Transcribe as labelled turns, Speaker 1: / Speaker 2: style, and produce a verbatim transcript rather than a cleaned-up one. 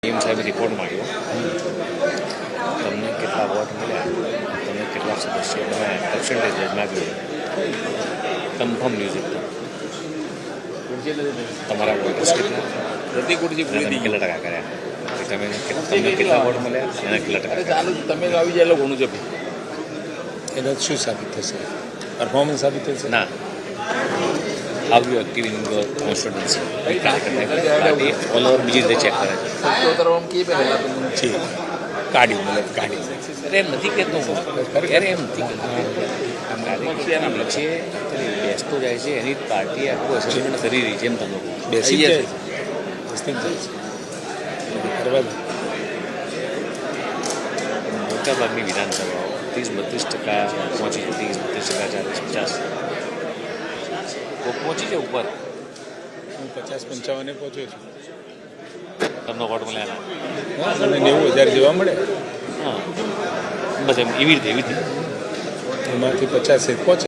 Speaker 1: એમ સાહેબ રિપોર્ટ માંગ્યો તમને કેટલા વોટ મળ્યા, તમને કેટલા સદસ્યો, તમે પર્સન્ટેજ માગ્યું, કન્ફર્મ ન્યૂઝ એકદમ તમારા વોટર્સ કેટલા, પ્રતિ કુટજી પૂરી કેટલા ટકા કર્યા, તમે તમને કેટલા વોટ મળ્યા, એના કેટલા ટકા ચાલુ તમે આવી જાય ઘણું છે.
Speaker 2: એના શું સાબિત થશે? પરફોર્મન્સ સાબિત થશે
Speaker 1: ના. How you active in your constituency party all over બીજી રીતે ચેક કરે છે.
Speaker 2: કાઢી મતલબ કાઢી
Speaker 1: અરે એમ નથી કહેતો હું, અરે એમ નથી કહેતો કાર્યકર્તાના વચ્ચે બેસતો જાય છે, એની પાર્ટી આખું એસેસમેન્ટ કરી રહી છે. એમ તમે
Speaker 2: બેસી જાય છે, બેસતી જાય છે કરવા દો.
Speaker 1: મોટાભાગની વિધાનસભાઓ ત્રીસ બત્રીસ ટકા પહોંચી, ત્રીસ બત્રીસ ટકા ચાલીસ પચાસ પહોંચી છે ઉપર.
Speaker 2: હું પચાસ પંચાવને પહોંચ્યો છું.
Speaker 1: તમને વોટ મળ્યા
Speaker 2: હા, મને નેવું હજાર જેવા મળે.
Speaker 1: હા, બસ એમ એવી રીતે એવી રીતે
Speaker 2: એમાંથી પચાસ પહોંચે.